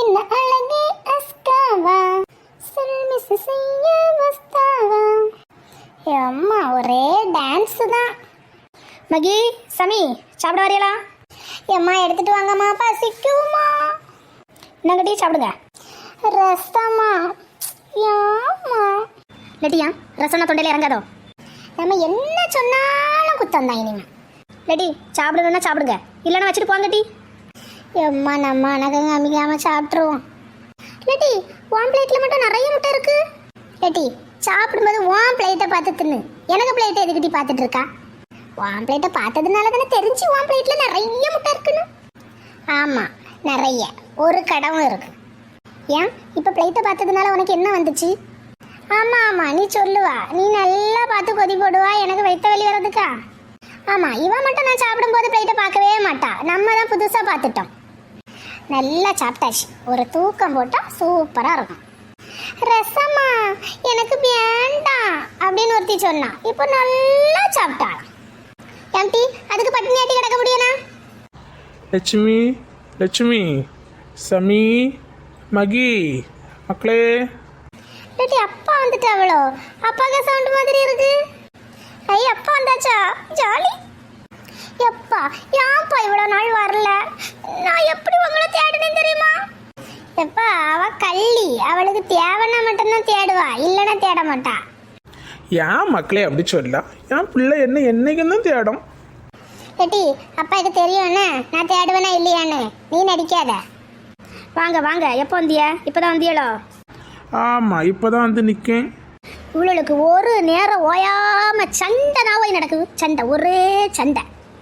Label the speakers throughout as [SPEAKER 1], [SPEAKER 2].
[SPEAKER 1] என்ன அழகே அஸ்காவா சல்மிஸ் செய்ய வஸ்தாவா. அம்மா ஒரே டான்ஸ் தான்.
[SPEAKER 2] மகி, சமி, சாப்பிட வரையலா?
[SPEAKER 1] அம்மா எடுத்துட்டு வாங்கம்மா, பசிக்குமா?
[SPEAKER 2] என்னங்கட்டி சாப்பிடுங்க.
[SPEAKER 1] ரசமா? ஏம்மா
[SPEAKER 2] லட்டியா, ரசம்னா தொண்டையில இறங்காதோ?
[SPEAKER 1] நம்ம என்ன சொன்னாலும் குத்தம் தான் இனிமே.
[SPEAKER 2] லட்டி, சாப்பிடணும்னா சாப்பிடுங்க, இல்லைன்னா வச்சுட்டு போங்கட்டி.
[SPEAKER 1] எம்மா நம்ம அனகம் அமைக்காம சாப்பிட்ருவோம். லட்டி, உன் பிளேட்டில் மட்டும் நிறைய முட்டை இருக்கு. லட்டி, சாப்பிடும்போது உன் பிளேட்டை பார்த்து தின்னு, எனக்கு பிளேட்டை எதுக்கிட்டி பார்த்துட்டு இருக்கா? உன் பிளேட்டை பார்த்ததுனால தானே தெரிஞ்சு உன் பிளேட்டில் நிறைய முட்டை இருக்குன்னு. ஆமாம், நிறைய, ஒரு கடவும் இருக்கு. ஏன் இப்போ பிளேட்டை பார்த்ததுனால உனக்கு என்ன வந்துச்சு? ஆமாம் ஆமாம், நீ சொல்லுவா, நீ நல்லா பார்த்து கொதி போடுவா, எனக்கு வைத்த வலி வர்றதுக்கா? ஆமாம், இவன் மட்டும் நான் சாப்பிடும்போது பிளேட்டை பார்க்கவே மாட்டா, நம்ம தான் புதுசாக பார்த்துட்டோம். நல்லா சாப்பிட்டாச்சு, ஒரு தூக்கம் போட்டால் சூப்பராக இருக்கும். ரசமா? எனக்கு வேண்டாம் அப்படின்னு ஒருத்தி சொன்னா, இப்போ நல்லா சாப்பிட்டாள். ஏம்டி, அதுக்கு பட்டினியாட்டி கிடக்க முடியுமா?
[SPEAKER 3] லட்சுமி, லட்சுமி, சமி, மகி, மக்களே.
[SPEAKER 1] லட்டி, அப்பா வந்துட்டு அவ்வளோ அப்பாக்க சவுண்ட் மாதிரி இருக்கு. ஐய், அப்பா வந்தாச்சா? ஜாலி. எப்பா, ஏன்ப்பா இவ்வளோ நாள் வரல? நான் எப்படி உங்களை தேடினேன் தெரியுமா? எப்பா, அவ கள்ளி, அவளுக்கு தேவைன்னா மட்டும்தான் தேடுவா, இல்லைன்னா தேட மாட்டா.
[SPEAKER 3] ஏன் மக்களே அப்படி சொல்ல? என் பிள்ளை என்ன என்னைக்கும் தான் தேடும்.
[SPEAKER 1] லட்டி, அப்பா இது தெரியும்ண்ணே, நான் தேடுவேனா இல்லையான்னு, நீ நடிக்காத.
[SPEAKER 2] வாங்க வாங்க, எப்போ வந்திய? இப்போதான் வந்தியளோ?
[SPEAKER 3] ஆமாம், இப்போ தான் வந்து நிற்கேன்.
[SPEAKER 2] இவளுக்கு ஒரு நேரம் ஓயாம சண்டை நாவாய் நடக்குது, சண்டை, ஒரே சண்டை.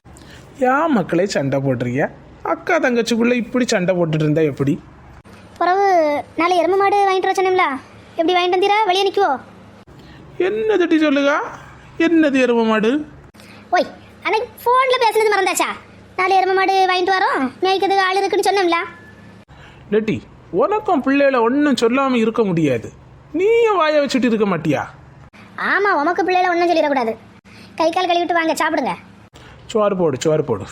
[SPEAKER 3] ஏன் மக்களே சண்டை போடுறீங்க? அக்கா தங்கச்சிக்குள்ளே இப்படி சண்டை போட்டுட்டு இருந்தா எப்படி?
[SPEAKER 2] பிறகு நாளை எருமை மாடு வாங்கிட்டு வர சொன்னீங்களா? எப்படி வாங்கிட்டு வந்தீரா? வெளியே நிற்குவோ?
[SPEAKER 3] என்ன தட்டி சொல்லுங்க, என்னது எருமை மாடு?
[SPEAKER 2] ஓய், அன்னைக்கு ஃபோனில் பேசுனது மறந்தாச்சா? நாளை எருமை மாடு வாங்கிட்டு வரோம், மேய்க்கிறதுக்கு ஆள் இருக்குன்னு சொன்னோம்ல.
[SPEAKER 3] லட்டி, உனக்கும் பிள்ளைகளை ஒன்றும் சொல்லாமல் இருக்க முடியாது, நீயும் வாயை வச்சுட்டு இருக்க மாட்டியா?
[SPEAKER 2] ஆமாம், உமக்கு பிள்ளைகளை ஒன்றும் சொல்லிடக்கூடாது. கை கால் கழுவிட்டு வாங்க, சாப்பிடுங்க.
[SPEAKER 3] சோறு போடு, சோறு போடு.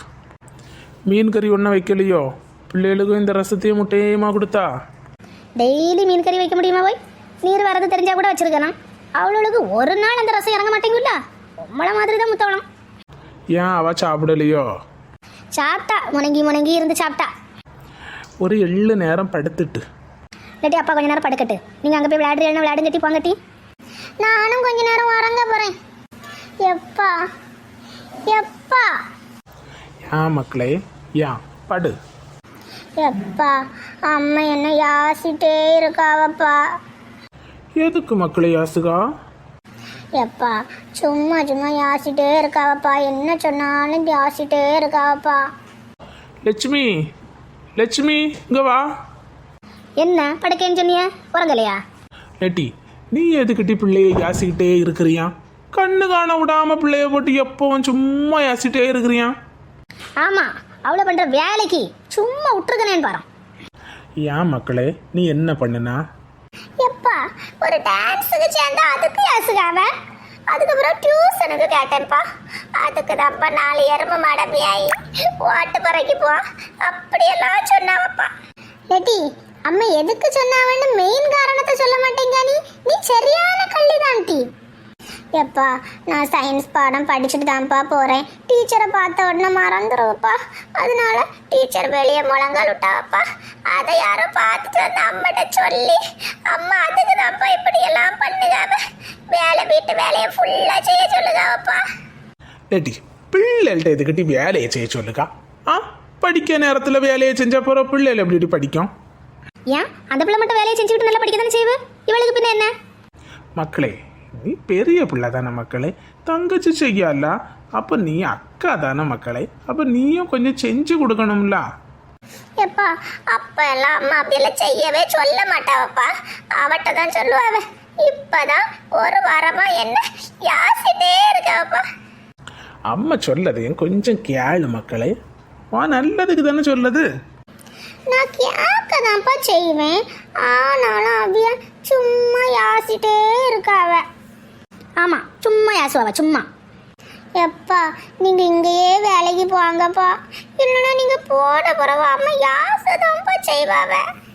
[SPEAKER 3] மீன் கறி ஒன்றும் வைக்கலையோ? பிள்ளைகளுக்கும் இந்த ரசத்தையும் முட்டையுமா கொடுத்தா?
[SPEAKER 2] டெய்லி மீன் கறி வைக்க முடியுமா? போய் நீர் வரது தெரிஞ்சா கூட வச்சிருக்கலாம். அவளுக்கு ஒரு நாள் அந்த ரசம் இறங்க மாட்டேங்குல்ல, உம்மளை மாதிரி தான் முத்தவளம்.
[SPEAKER 3] ஏன் அவ சாப்பிடலையோ?
[SPEAKER 2] சாப்பிட்டா, முணங்கி முணங்கி இருந்து சாப்பிட்டா.
[SPEAKER 3] ஒரு 7 நேரம் படுத்துட்டு.
[SPEAKER 2] இல்லாட்டி அப்பா கொஞ்ச நேரம் படுக்கட்டு, நீங்கள் அங்கே போய் விளையாடுறீங்கன்னா விளையாடுங்க கட்டி போங்கட்டி.
[SPEAKER 1] நானும் கொஞ்ச நேரம் உறங்க போறேன். எப்பா எப்பா.
[SPEAKER 3] ஏன் மக்களே, ஏன் படு.
[SPEAKER 1] எப்பா, அம்மா என்ன யாசிட்டே இருக்காவப்பா.
[SPEAKER 3] எதுக்கு மக்களே யாசுகா?
[SPEAKER 1] எப்பா, சும்மா சும்மா யாசிட்டே இருக்காவப்பா, என்ன சொன்னாலும் யாசிட்டே இருக்காவப்பா.
[SPEAKER 3] லட்சுமி, லட்சுமி, இங்க வா.
[SPEAKER 2] என்ன படுக்கேன்னு சொன்னிய? உறங்கலையா?
[SPEAKER 3] லட்டி, நீ எதுக்கிட்டி பிள்ளைய யாசிக்கிட்டே இருக்கிறியா? கண்ணு காண விடாம பிள்ளைய போட்டு எப்பவும் சும்மா யாசிட்டே இருக்கிறியா?
[SPEAKER 2] ஆமாம், அவ்வளோ பண்ணுற வேலைக்கு சும்மா விட்டுருக்கனேன்னு பாரு.
[SPEAKER 3] ஏன் மக்களே, நீ என்ன பண்ணுனா?
[SPEAKER 1] எப்பா, ஒரு டான்ஸுக்கு சேர்ந்தா அதுக்கு யாசுகாவ, அதுக்கப்புறம் டியூஷனுக்கு கேட்டேன்ப்பா, அதுக்கு தான்ப்பா 4 எருமை மடமையாயி ஓட்டு பறைக்கு போ அப்படியெல்லாம் சொன்னாவப்பா. லட்டி, அம்மா எதுக்கு சொன்னாவன்னு மெயின் காரணத்தை சொல்ல மாட்டேங்க. நீ சரியான கள்ளிதான் டி. எப்பா, நான் சயின்ஸ் பாடம் படிச்சுட்டு தான்ப்பா போகிறேன், டீச்சரை பார்த்த உடனே மறந்துடுவப்பா, அதனால டீச்சர் வெளியே முழங்கால் விட்டாவப்பா, அதை யாரோ பார்த்துட்டு வந்து அம்மாட்ட சொல்லி, அம்மா அதுக்கு தான்ப்பா இப்படியெல்லாம் பண்ணுகாம வீட்டு வேலையை ஃபுல்லாக செய்ய சொல்லுகாவப்பா.
[SPEAKER 3] லட்டி, பிள்ளைகள்கிட்ட எதுக்கிட்டி வேலையை செய்ய சொல்லுக்கா? படிக்க நேரத்தில் வேலையை செஞ்சா போகிற பிள்ளைகள் எப்படி படிக்கும்?
[SPEAKER 2] ஏன் அந்த பிள்ளை மட்டும் வேலையை செஞ்சுக்கிட்டு நல்லா படிக்க தானே செய்வு, இவளுக்கு பின்ன என்ன?
[SPEAKER 3] மக்களே, நீ பெரிய பிள்ளை தானே மக்களே, தங்கச்சி செய்யல, அப்போ நீ அக்கா தானே மக்களே, அப்போ நீயும் கொஞ்சம் செஞ்சு கொடுக்கணும்ல.
[SPEAKER 1] எப்பா, அப்ப எல்லாம் அம்மா அப்படியெல்லாம் செய்யவே சொல்ல மாட்டாவப்பா, அவட்ட தான் சொல்லுவாவ. இப்பதான் ஒரு வாரமா என்ன யாசிட்டே இருக்காவப்பா.
[SPEAKER 3] அம்மா சொல்லதையும் கொஞ்சம் கேளு மக்களே, நல்லதுக்கு தானே சொல்லுது.
[SPEAKER 1] நான் கேட்க தான்ப்பா செய்வேன், ஆனாலும் அவிய சும்மா யாசிட்டே இருக்காவ.
[SPEAKER 2] ஆமாம், சும்மா யாசுவாவ, சும்மா.
[SPEAKER 1] எப்பா, நீங்கள் இங்கேயே வேலைக்கு போங்கப்பா, இல்லைன்னா நீங்கள் போன பிறகு அம்மா யாசதான்ப்பா செய்வாவ.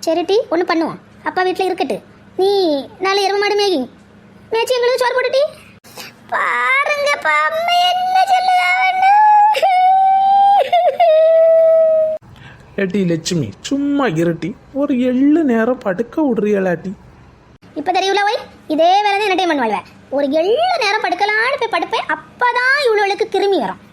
[SPEAKER 2] சரிட்டி ஒன்று பண்ணுவோம். அப்பா வீட்டில் இருக்கட்டு, நீ நாளை எரும மாடு மேகி மேய்ச்சி எங்களுக்கு சோறு போட்டுட்டி.
[SPEAKER 1] பாருங்கப்பா அம்மா என்ன சொல்லுதான்னு.
[SPEAKER 3] ஏட்டி லட்சுமி சும்மா இருட்டி ஒரு 7 நேரம் படுக்க விடுறியலாட்டி.
[SPEAKER 2] இப்போ தெரியல ஓய், இதே வேலை தான் என்டர்டைன்மெண்ட் வாழ்வேன். ஒரு 7 நேரம் படுக்கலான்னு போய் படுப்பேன். அப்போ தான் இவ்வளோளுக்கு கிருமி வரும்.